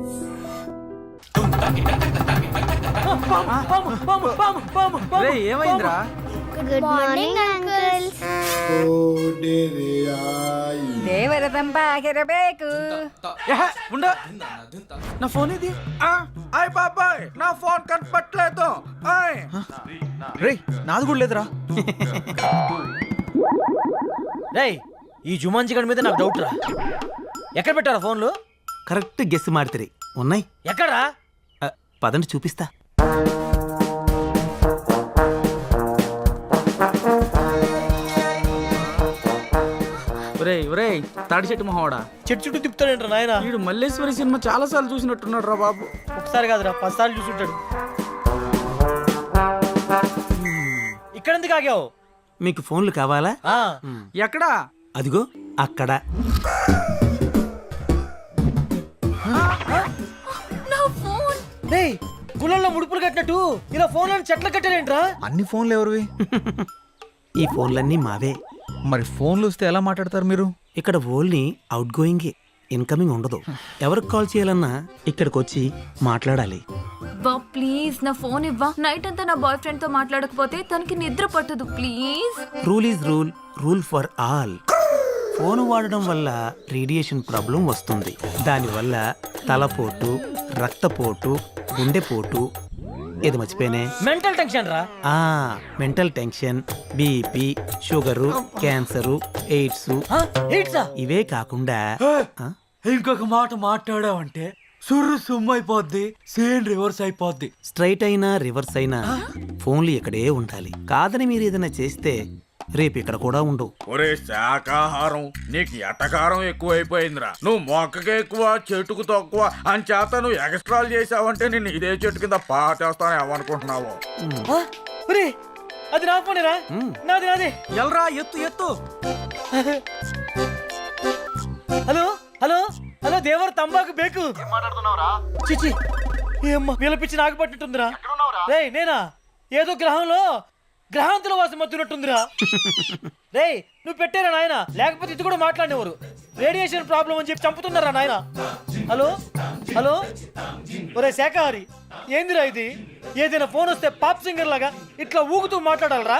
ఏమైందిరా? Good morning uncles. ದೇವರ ತಂಪಾಗಿರಬೇಕು. నా ఫోన్ ఇది. అయ్ బాబాయ్ నా ఫోన్ కనపట్లేదు. రే నాది కూడా లేదురా. రేయ్ ఈ జుమాన్జీ గడి మీద నాకు డౌట్ రా. ఎక్కడ పెట్టారా ఫోన్లు? కరెక్ట్ గెస్ మాడితే ఉన్నాయి. ఎక్కడా? పదండి చూపిస్తా. ఒరేయ్ తాడి చెట్టు మొహవాడా, చెట్టు చుట్టూ తిప్పుతాడేంట్రా నాయన? వీడు మల్లేశ్వరి సినిమా చాలా సార్లు చూసినట్టున్నాడు రా బాబు. ఒకసారి కాదురా 10 సార్లు చూసుంటాడు. ఇక్కడ ఎందుకు ఆగావు? మీకు ఫోన్లు కావాలా? ఎక్కడా? అదిగో అక్కడ. రేయ్ గుళ్ళల్లో ముడుపులు కట్టినట్టు ఇలా ఫోన్లను చెట్లు కట్టారేంట్రా? అన్ని ఫోన్లు ఎవరివి? ఈ ఫోన్లన్నీ మావే. మరి ఫోన్లు వస్తే ఎలా మాట్లాడతారు మీరు? ఇక్కడ ఓన్లీ అవుట్ గోయింగ్, ఇన్కమింగ్ ఉండదు. ఎవరికి కాల్ చేయాలన్నా ఇక్కడికి వచ్చి మాట్లాడాలి. బా ప్లీజ్ నా ఫోన్ ఇవ్వా. నైట్ అంతా నా బాయ్ ఫ్రెండ్ తో మాట్లాడకపోతే తనకి నిద్ర పట్టదు please. Rule is rule, rule for all. Phone వాడడం వల్ల రేడియేషన్ ప్రాబ్లం వస్తుంది. దానివల్ల తలపోటు, రక్తపోటు, గుండెపోటు, ఏది మర్చిపోయినే, మెంటల్ టెన్షన్ రా. Mental tension, BP, sugar, cancer, AIDS, ఇవే కాకుండా ఇంకొక మాట మాట్లాడావంటే సుర్రు సుమ్ము అయిపోద్ది, సేన్ రివర్స్ అయిపోద్ది. స్ట్రైట్ అయినా రివర్స్ అయినా ఫోన్లు ఇక్కడే ఉండాలి. కాదని మీరు ఏదైనా చేస్తే రేపు ఇక్కడ కూడా ఉండవు. ఒరే శాకాహారం నీకు ఎటకారం ఎక్కువైపోయిందిరా. నువ్వు మొక్కకి ఎక్కువ చెట్టుకు తక్కువ అని చేత నువ్వు ఎక్స్ట్రాలు చేసావంటే నేను ఇదే చెట్టు కింద పాటేస్తాను ఏమనుకుంటున్నావు? అది నా ఫోనేరా? నాది నాది. ఎల్రా ఎత్తు ఎత్తు. హలో హలో హలో దేవర్ తంబాకు బేకు. చిచి ఏమ్మా పిలిపించి నాకు పట్టినట్టుందిరా. రేయ్ నేనా? ఏదో గ్రహాంతుల వాసం మత్తున్నట్టుందిరా. రేయ్ నువ్వు పెట్టారా నాయన? లేకపోతే ఇది కూడా మాట్లాడేవారు. రేడియేషన్ ప్రాబ్లం అని చెప్పి చంపుతున్నారా నాయన? హలో హలో ఒరే శాఖహారి ఏందిరా ఇది? ఏదైనా ఫోన్ వస్తే పాప్ సింగర్ లాగా ఇట్లా ఊగుతూ మాట్లాడాలరా?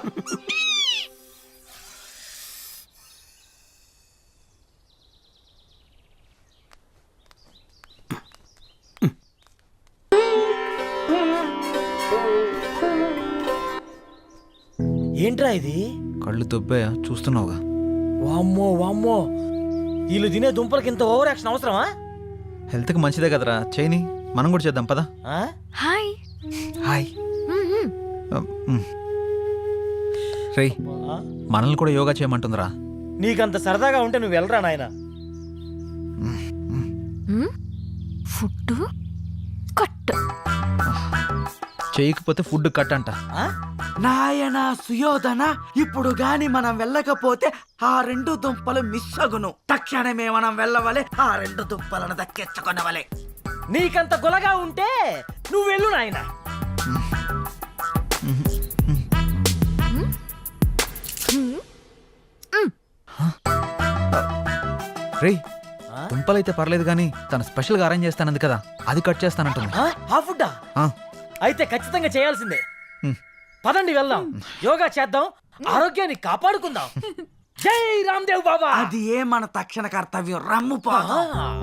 ఏంట్రా ఇది? కళ్ళు దొబ్బాయా చూస్తున్నావుగా? వామ్మో వామ్మో, వీళ్ళు తినే దుంపలకి ఇంత ఓవర్ యాక్షన్ అవసరమా? హెల్త్ కి మంచిదే కదరా, చేయని మనం కూడా చేద్దాం పదా. హాయ్ హాయ్ రేయ్ మనల్ని కూడా యోగా చేయమంటుందిరా. నీకంత సరదాగా ఉంటే నువ్వు వెళ్ళరా నాయన. ఫుడ్ కట్ చేయకపోతే ఫుడ్ కట్ అంట. నాయనా సుయోధన, ఇప్పుడు గాని మనం వెళ్ళకపోతే ఆ 2 దుంపలు మిస్ అగును. తక్షణమే మనం వెళ్ళవలే, ఆ 2 దుంపలను దక్కించుకొనవలే. నీకంత గులగా ఉంటే నువ్వు వెళ్ళు నాయన. రేయ్ దుంపలైతే పర్లేదు కానీ తను స్పెషల్ గా అరేంజ్ చేస్తానంది కదా, అది కట్ చేస్తానంటుంది. ఆ ఫుడ్డా? అయితే ఖచ్చితంగా చేయాల్సిందే. పదండి వెళ్దాం, యోగా చేద్దాం, ఆరోగ్యాన్ని కాపాడుకుందాం. జై రామ్దేవ్ బాబా. అది ఏ మన తక్షణ కర్తవ్యం. రమ్ము పోదాం.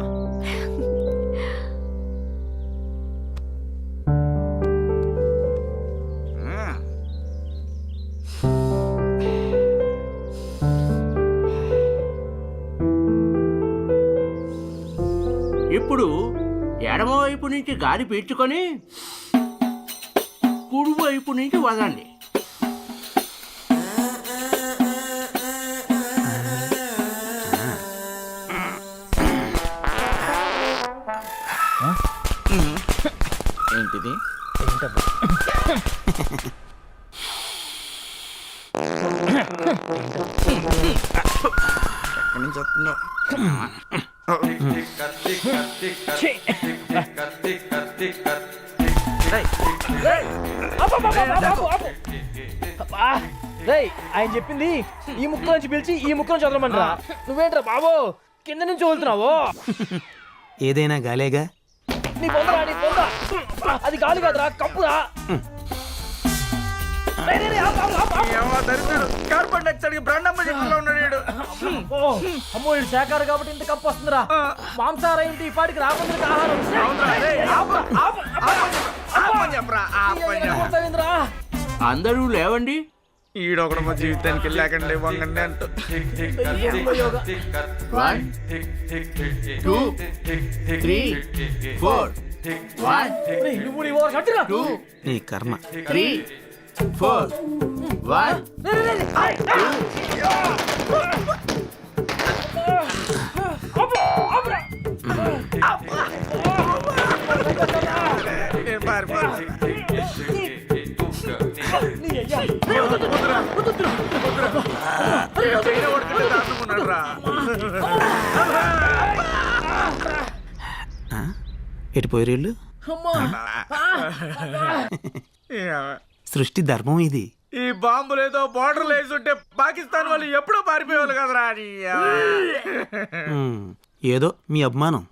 ఇప్పుడు ఎడమవైపు నుంచి గాలి పీల్చుకొని కుడివైపు నుంచి వదండి. ఏంటిది? ఆయన చెప్పింది ఈ ముక్క నుంచి పిలిచి ఈ ముక్క నుంచి వదలమంటారా? నువ్వేంట్రా బాబు కింద నుంచి వదులుతున్నావు? ఏదైనా గాలేగా, నీ పొందరా నీ పొంద అది గాలి కాదురా కంపురా కార్బన్ డైఆక్సైడ్ బ్రాండమ్మ చెట్టులో ఉన్నాడు వీడు. అమ్మో ఇది శాఖారు కాబట్టి ఇంత కప్పు వస్తుందిరా మాంసాహారం ఏంటి ఈ పాటికి రాకుండా ఆహారం ఆపని చెప్పరా, ఆపని చెప్పరా. ఏమవుతావిందిరా? అందరూ లేవండి. ఈడొకడు మా జీవితానికి వెళ్ళాకండి వంగండి అంటూ 1 2 3 4 1 ఒరేయ్, నువ్వు నీ ఓవర్ కట్టురా 2 నీ కర్మ 3 4 1 నేను పారిపోతాను. చైనా కొడుకుంటే దాటుకున్నాడు రా. ఎటు పోయి వీళ్ళు సృష్టి ధర్మం ఇది. ఈ బాంబులు ఏదో బార్డర్ వేసుంటే పాకిస్తాన్ వాళ్ళు ఎప్పుడో పారిపోయేవాళ్ళు కదరా అని. ఏదో మీ అభిమానం.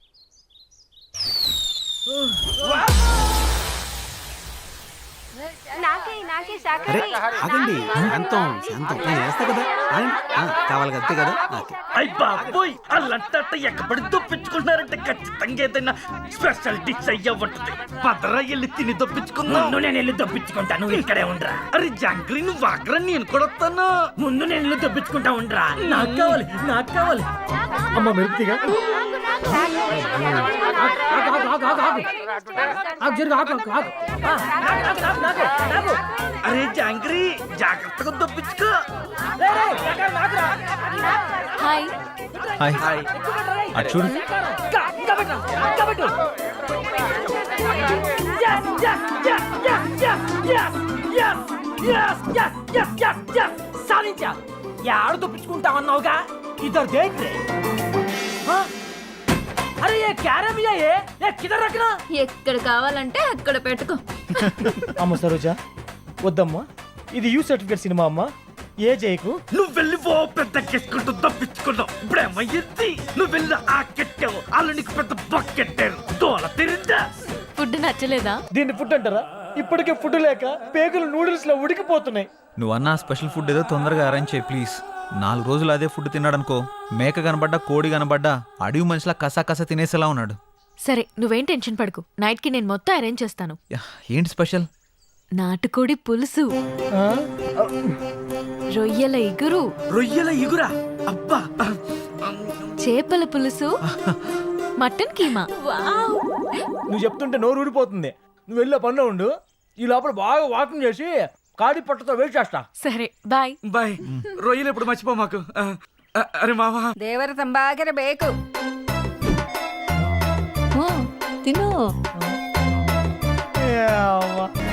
అరే ఆగండి, శాంతం శాంతం, నేను వేస్తా కదా. ఆగండి. కావాలి కదా, అంతే కదా. ఓకే. అయ్ బాబోయ్ అల్లంతా ఎక్కబడి దొప్పించుకుంటున్నారంటే ఖచ్చితంగా ఏదైనా స్పెషల్ డిష్ అయ్యా ఉంటుంది. పదరా వెళ్ళి తిని దొప్పించుకుందాం. ముందు నేను వెళ్ళి దొప్పించుకుంటా, నువ్వు ఇక్కడే ఉండరా. అరే జాంగ్రీ నువ్వు వాగరా, నేను కూడా వస్తాను. ముందు నేను వెళ్ళి దొప్పించుకుంటా ఉండరా. నాకు కావాలి నాకు కావాలి అమ్మ మెరుపుగా అరే జాంగ్రీ జాగ్రత్తగా దొప్పించుకో. హాయ్ హాయ్ అటు చూడు. సాధించా యాడ దొప్పించుకుంటామన్నావుగా ఇద్దరు దేంట్రే అరే ఏ క్యారమియా ఏ కిదర్ రఖనా ఎక్కడ కావాలంటే అక్కడ పెట్టుకో. అమ్మ సరోజా వద్దమ్మా, ఇది యూ సర్టిఫికేట్ సినిమా అమ్మా. ఏ జైకు నువ్వు వెళ్ళి ఓ పెద్ద కెట్టుకుంటూ దొప్పించుకున్నావు. ఇప్పుడేమయ్యింది, నువ్వు వెళ్ళి ఆ కెట్టావు, వాళ్ళు నీకు పెద్ద బొక్కెట్టారు. దోల తిరిందా? ఫుడ్ నచ్చలేదా? దీన్ని ఫుడ్ అంటారా? ఇప్పటికే ఫుడ్ లేక పేగులు నూడిల్స్ లో ఉడికిపోతున్నాయి. నువ్వు అన్న స్పెషల్ ఫుడ్ ఏదో తొందరగా అరేంజ్ చేయి ప్లీజ్. 4 రోజులు అదే ఫుడ్ తిన్నాడనుకో, మేక కనబడ్డా కోడి కనబడ్డా అడవి మనిషిలా కసా కసా తినేసేలా ఉన్నాడు. సరే నువ్వేం టెన్షన్ పడకు, నైట్ కి నేను మొత్తం అరేంజ్ చేస్తాను. యా, ఏంటి స్పెషల్? నాటుకోడి పులుసు, రొయ్యల ఇగురు, రొయ్యల ఇగురా, అబ్బా, చేపల పులుసు, మటన్ కీమా. వావ్! నువ్వు చెప్తుంటే నోరు ఊడిపోతుంది. నువ్వు వెళ్ళే పనిలో ఉండు, ఈ లోపల బాగా వాకింగ్ చేసి కాడి పట్టతో వెయిట్ చేస్తా. సరే బాయ్. బాయ్. రొయ్యలు ఎప్పుడు మర్చిపో మాకు. అరే మావా, ದೇವರ ತಂಬಾಗಿರಬೇಕು. తిను ఏ అవ్వ.